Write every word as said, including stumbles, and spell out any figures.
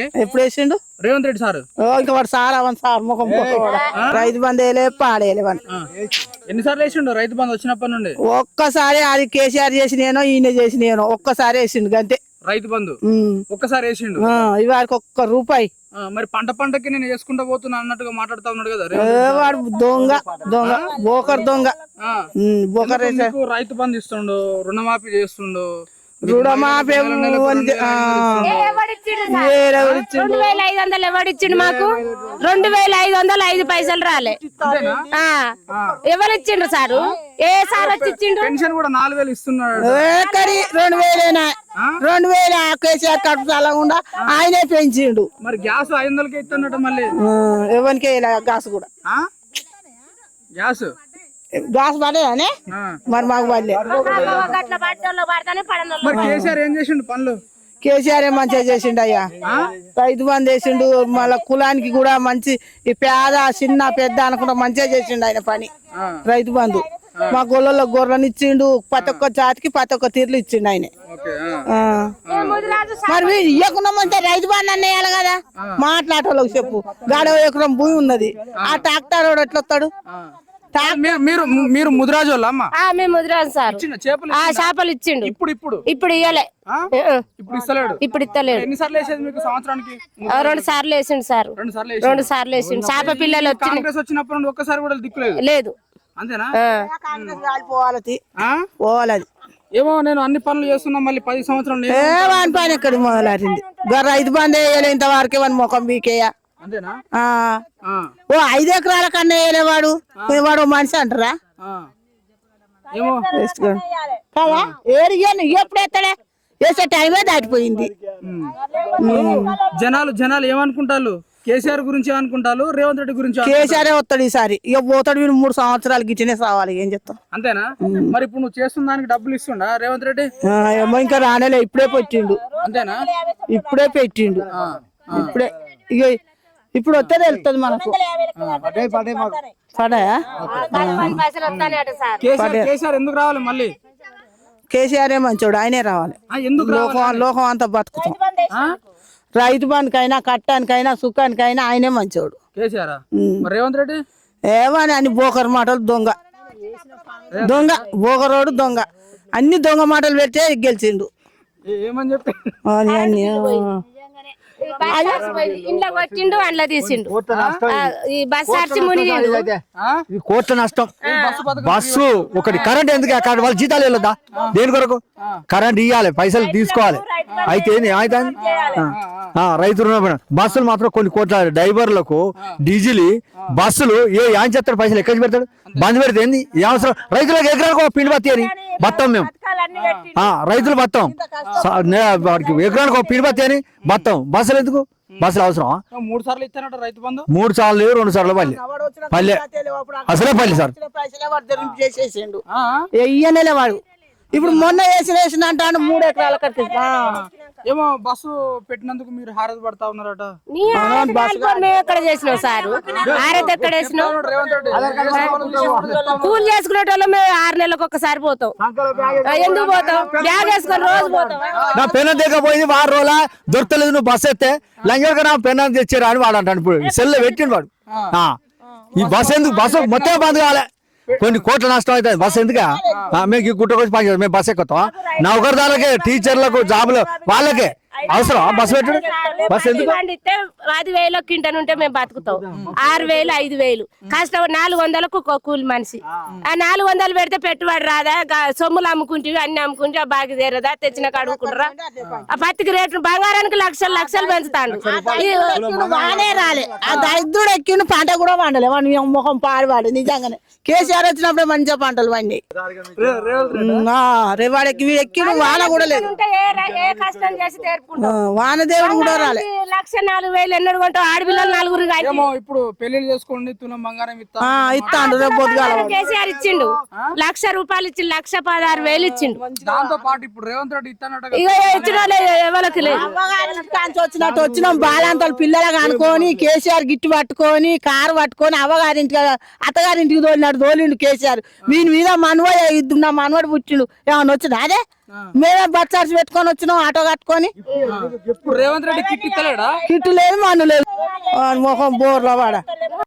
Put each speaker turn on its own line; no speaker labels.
ఎప్పుడు వేసిండు
రేవంత్ రెడ్డి సార్?
ఇంకా వాడు సార్ అవన్ సార్ ముఖం రైతు బంధు వేయలే పాడేయలే వాడు.
ఎన్నిసార్లు వేసిండు రైతు బంధు వచ్చినప్పటి నుండి?
ఒక్కసారి అది కేసీఆర్ చేసినేనో ఈయన చేసినేనో ఒక్కసారి వేసిండు అంతే
రైతు బంధు. ఒక్కసారి వేసిండు.
ఇవాళకి ఒక్క రూపాయి.
మరి పంట పంటకి నేను వేసుకుంటా పోతున్నా అన్నట్టుగా మాట్లాడుతా ఉన్నాడు కదా.
వాడు దొంగ దొంగ బోకర్ దొంగ. బోకర్
రైతు బంధు ఇస్తుండు, రుణమాఫీ చేస్తుండు,
రుణమాఫీ
రెండు వేల ఐదు వందలు ఎవడిచ్చిండు మాకు? రెండు వేల ఐదు వందలు ఐదు పైసలు రాలే. ఎవరిచ్చిండ్రు సారు? ఏ సార్ వచ్చి ఇచ్చిండు?
పెన్షన్ కూడా నాలుగు వేలు ఇస్తున్నాడు.
రెండు వేలేనా? రెండు వేల కేసీఆర్ కడుపు చాలకుండా ఆయనే పెంచిండు.
మరి గ్యాస్ ఐదు వందలకి ఇస్తున్నట్టు మళ్ళీ
ఎవరికి గ్యాస్ కూడా
గ్యాస్
గ్యాస్ పడేదానే మరి మాకు పడలే.
మరి కేసీఆర్ ఏం చేసిండు పనులు?
కేసీఆర్ ఏ మంచిగా చేసిండు అయ్యా. రైతు బంధు వేసిండు, మళ్ళా కులానికి కూడా మంచి ఈ పేద చిన్న పెద్ద అనుకుంటా మంచిగా చేసిండు ఆయన పని. రైతు బంధు మా గొల్లలో గొర్రెని ఇచ్చిండు, ప్రతి ఒక్క జాతికి ప్రతి ఒక్క తీర్లు ఇచ్చిండు ఆయన. మరి ఇవ్వకుండా మంచిగా రైతు బంధు అన్న వేయాలి కదా. మాట్లాడేవాళ్ళకి చెప్పు, గాడ ఎకరం భూమి ఉన్నది, ఆ ట్రాక్టర్ వాడు ఎట్లా వస్తాడు?
మీరు మీరు ముదిరాజు వాళ్ళ అమ్మ?
మేము ముదిరాజు సార్. చేపలు ఇచ్చిండు.
ఇప్పుడు ఇప్పుడు
ఇప్పుడు ఇయ్యలే,
ఇప్పుడు ఇస్తలేడు.
ఇప్పుడు ఇస్తలేడు.
ఎన్నిసార్లు వేసేది మీకు సంవత్సరానికి?
రెండు సార్లు వేసిండు సార్.
రెండు సార్లు
రెండు సార్లు వేసిండు. చేప పిల్లలు వచ్చి
కాంగ్రెస్ వచ్చినప్పుడు నుండి ఒక్కసారి కూడా దిక్కులేదు.
లేదు.
అంతేనా?
పోవాలి పోవాలి.
ఏమో నేను అన్ని పనులు చేస్తున్నా, మళ్ళీ పది సంవత్సరాలు
వాని పని ఎక్కడ మొదలారింది? రైతు బంధు వేయలే ఇంతవరకే వాని ముఖం బీకేయ.
అంతేనా?
ఓ ఐదు ఎకరాల కన్నా వేయలే వాడు. వాడు మనిషి అంటారా?
ఏమో
కదా ఏరిగాను ఎప్పుడు ఎత్తడే వేసే టైమే దాటిపోయింది.
జనాలు జనాలు ఏమనుకుంటారు? కేసీఆర్ గురించి ఏమనుకుంటారు? రేవంత్ రెడ్డి గురించి?
కేసీఆర్ వస్తాడు ఈసారి. ఇక పోతాడు వీడు మూడు సంవత్సరాలు గిట్టినే సావాలి. ఏం చెప్తాం?
అంతేనా? మరి ఇప్పుడు నువ్వు చేస్తున్న దానికి డబ్బులు ఇస్తుండా రేవంత్ రెడ్డి?
ఏమో ఇంకా రానేలే, ఇప్పుడే పెట్టిండు.
అంతేనా?
ఇప్పుడే పెట్టిండు. ఇప్పుడే ఇక ఇప్పుడు వస్తే వెళ్తుంది మనకు. పడాయా?
కేసీఆర్ ఎందుకు రావాలి మళ్ళీ?
కేసీఆర్ ఏ మంచోడు, ఆయనే రావాలి. లోకం లోకం అంతా బతుకుతాం. రైతు బంధుకైనా కట్టానికైనా సుఖానికైనా ఆయనే మంచోడు.
కేసీఆర్. రేవంత్ రెడ్డి
ఏమని అన్ని బోకర్ మాటలు, దొంగ దొంగ బోకరోడు దొంగ. అన్ని దొంగ మాటలు పెట్టే గెలిచిండు.
ఏమని చెప్పి
అన్ని
ఇంట్లో కొట్టిండు, అందులో తీసిండు. ఈ బస్సు అర్చి మునిగిండు.
కోట్ల నష్టం. బస్సు ఒకటి కరెంట్ ఎందుకు? అక్కడ వాళ్ళ జీతాలు వెళ్ళదా? దేని కొరకు? కరెంట్ ఇవ్వాలి, పైసలు తీసుకోవాలి. అయితే అయితే రైతు రుణ బస్సులు మాత్రం కొన్ని కోట్ల డ్రైవర్లకు డీజిల్ బస్సులు ఏ ఏం చేస్తాడు? పైసలు ఎక్కడికి పెడతాడు? బంద్ పెడితే ఏంది? ఏ అవసరం? రైతులకు ఎకరానికి పిండి బత్తి అని బత్తాం మేము. రైతులు బత్తాం, వాడికి ఎకరానికి ఒక పిండి బత్తి అని బత్తాం. బస్సులు ఎందుకు? బస్సులు అవసరం?
మూడు సార్లు ఇస్తానట రైతు బంధు.
మూడు సార్లు రెండు సార్లు పల్లె పల్లె అసలే పల్లె సార్.
ఇయ్యనేలే వాడు. ఇప్పుడు మొన్న వేసిన వేసిన అంటాను మూడు ఎకరాల కట్టి.
ఏమో బస్సు పెట్టినందుకు మీరు హారత పడతా ఉన్నారట.
ఎక్కడ చేసినావు సారు? హారత ఎక్కడ వేసినావు? కూలి చేసుకునే వాళ్ళు మేము ఆరు నెలలకు ఒక్కసారి పోతాం. ఎందుకు పోతాం? బ్యాగ్ వేసుకొని రోజు పోతాం.
నా పెన్ను దిగపోయింది వారం రోజుల దొరకలేదు. నువ్వు బస్సు ఎత్తే లంగా నా పెన్ను తెచ్చారా అని వాడు అంటాను. ఇప్పుడు సెల్ పెట్టిండు వాడు. ఈ బస్సు ఎందుకు? బస్సు మొత్తం బంద్ కావాలి. కొన్ని కోట్ల నష్టం అవుతుంది. బస్సు ఎందుకు? మేము గుట్టకొచ్చి పని చేస్తాం. మేము బస్సు ఎక్కుతాం. నౌకర్దారులకే, టీచర్లకు, జాబులు వాళ్ళకే అవసరం బస్సు పెట్టడు. బస్సు ఎందుకు?
పది వేలు కింటన్ ఉంటే మేము బతుకుతాం. ఆరు వేలు ఐదు వేలు కష్టం. నాలుగు వందలకు కూలి మనిషి. ఆ నాలుగు వందలు పెడితే పెట్టుబడి రాదా? సొమ్ములు అమ్ముకుంటే అన్ని అమ్ముకుంటే ఆ బాగా తీరదా? తెచ్చిన కడుక్కుంటారా? ఆ పత్తికి రేట్లు బంగారానికి లక్షలు లక్షలు పెంచుతాడు.
బాగానే రాలే. ఆ దరిద్రుడు ఎక్కిండు, పంట కూడా పండలే. వాడి ముఖం పాడివాడు. నిజంగానే కేసీఆర్ వచ్చినప్పుడే మంచిగా పంటలు పండి. రేవాడెక్కి వీడు ఎక్కిండు, వాన కూడా లేదు.
కష్టం చేసి
వానదేవుడు కూడా రాలే.
లక్ష నాలుగు వేలు ఎన్నడు కొంటావు? ఆడపిల్లలు నలుగురు.
ఇప్పుడు పెళ్లి చేసుకోండి, తులం బంగారం
ఇస్తాడు.
కేసీఆర్ ఇచ్చిండు లక్ష రూపాయలు ఇచ్చి లక్ష పదహారు వేలు ఇచ్చిండు.
దాంతో పాటు ఇప్పుడు రేవంత్ రెడ్డి ఇస్తానట.
ఇక ఇచ్చిన ఎవరికి లేదు.
వచ్చినట్టు వచ్చినాం బాలంతలు పిల్లలుగా అనుకొని కేసీఆర్ గిట్టు పట్టుకొని కారు పట్టుకొని అవ్వగారింటికి అత్తగారింటికి తోలినాడు. తోలిండు కేసీఆర్. వీని మీద మనవడు ఇద్దున్నా మనవడు పుట్టిండు. ఏమన్నా వచ్చింది? అదే మేమే బచ్చార్చి పెట్టుకొని వచ్చినాం ఆటో కట్టుకొని.
ఇప్పుడు రేవంత్ రెడ్డి కిట్ ఇస్తలేడా?
కిట్టు లేదు మన్ను లేదు. ఆ, మొహం బోర్ల వాడ